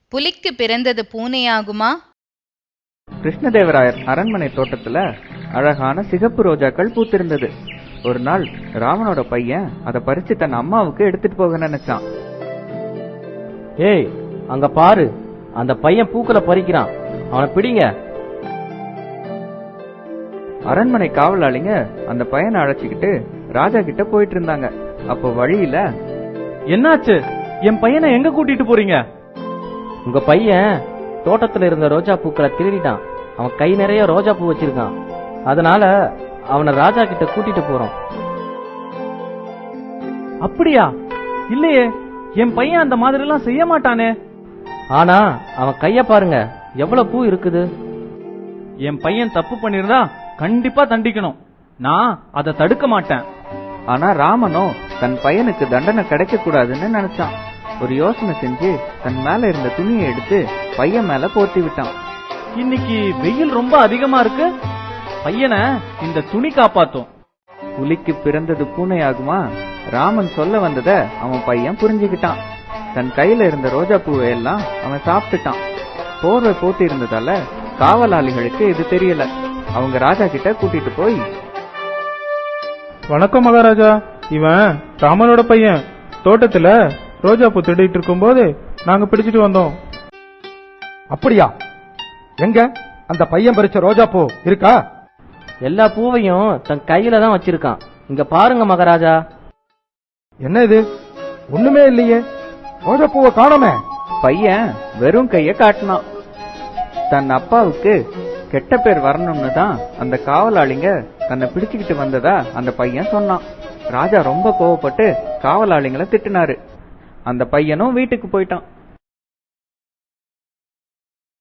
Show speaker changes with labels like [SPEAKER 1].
[SPEAKER 1] புலிக்கு பிறந்தது பூனையாகுமா?
[SPEAKER 2] கிருஷ்ணதேவராயர் அரண்மனை தோட்டத்துல அழகான சிகப்பு ரோஜாக்கள் பூத்திருந்தது. ஒரு நாள் ராமனோட பையன் அதை பறிச்சு தன் அம்மாவுக்கு எடுத்துட்டு போக நினைச்சான்.
[SPEAKER 3] ஏய், அங்க பாரு, அந்த பையன் பூக்களை பறிக்கிறான், அவனை பிடிங்க.
[SPEAKER 2] அரண்மனை காவலாளிங்க அந்த பையனை அழைச்சிக்கிட்டு ராஜா கிட்ட போயிட்டு இருந்தாங்க. அப்போ வழியில,
[SPEAKER 4] என்னாச்சு? என் பையனை எங்க கூட்டிட்டு போறீங்க?
[SPEAKER 3] உங்க பையன் தோட்டத்துல இருந்த ரோஜா பூக்களை திருடிட்டான். அவன் கை நிறைய ரோஜா பூ வச்சிருக்கான். அதனால அவனை ராஜா கிட்ட கூட்டிட்டு போறோம்.
[SPEAKER 4] அப்படியா? இல்லையே, என் பையன் அந்த மாதிரி எல்லாம் செய்ய மாட்டானே.
[SPEAKER 3] ஆனா அவன் கைய பாருங்க, எவ்வளவு பூ இருக்குது.
[SPEAKER 4] என் பையன் தப்பு பண்ணிருந்தா கண்டிப்பா தண்டிக்கணும். நான் அதை தடுக்க மாட்டேன்.
[SPEAKER 2] ஆனா ராமனோ தன் பையனுக்கு தண்டனை கிடைக்க கூடாதுன்னு நினைச்சான். ஒரு யோசனை செஞ்சு தன் மேல இருந்த துணியை எடுத்து பையன் மேல போர்த்தி விட்டான்.
[SPEAKER 4] இன்னைக்கு வெயில் ரொம்ப அதிகமா இருக்கு, பையனை இந்த துணி காப்பாத்தும்.
[SPEAKER 2] புலிக்கு பிறந்தது பூனையாகுமா? ராமன் சொல்ல வந்தத அவன் பையன் புரிஞ்சுக்கிட்டான். தன் கையில இருந்த ரோஜா பூவை எல்லாம் அவன் சாப்பிட்டுட்டான். போர்வை போட்டு இருந்ததால காவலாளிகளுக்கு இது தெரியல. அவங்க ராஜா கிட்ட கூட்டிட்டு போய்,
[SPEAKER 5] வணக்கம் மகாராஜா, இவன் ராமனோட பையன். தோட்டத்துல ரோஜா பூ திருடிட்டு இருக்கும் போது நாங்க பிடிச்சிட்டு வந்தோம்.
[SPEAKER 6] அப்படியா? எங்க அந்த பையன் பறிச்ச ரோஜா பூ இருக்கா?
[SPEAKER 3] எல்லா பூவையும் தன் கையில தான் வச்சிருக்கான். இங்க பாருங்க மகாராஜா.
[SPEAKER 6] என்ன இது? ஒண்ணுமே இல்லையே, ரோஜா பூவை காணோமே.
[SPEAKER 2] பையன் வெறும் கைய காட்டினான். தன் அப்பாவுக்கு கெட்ட பேர் வரணும்னு தான் அந்த காவலாளிங்க தன்னை பிடிச்சுக்கிட்டு வந்ததா அந்த பையன் சொன்னான். ராஜா ரொம்ப கோவப்பட்டு காவலாளிங்களை திட்டினாரு. அந்த பையனும் வீட்டுக்கு போயிட்டான்.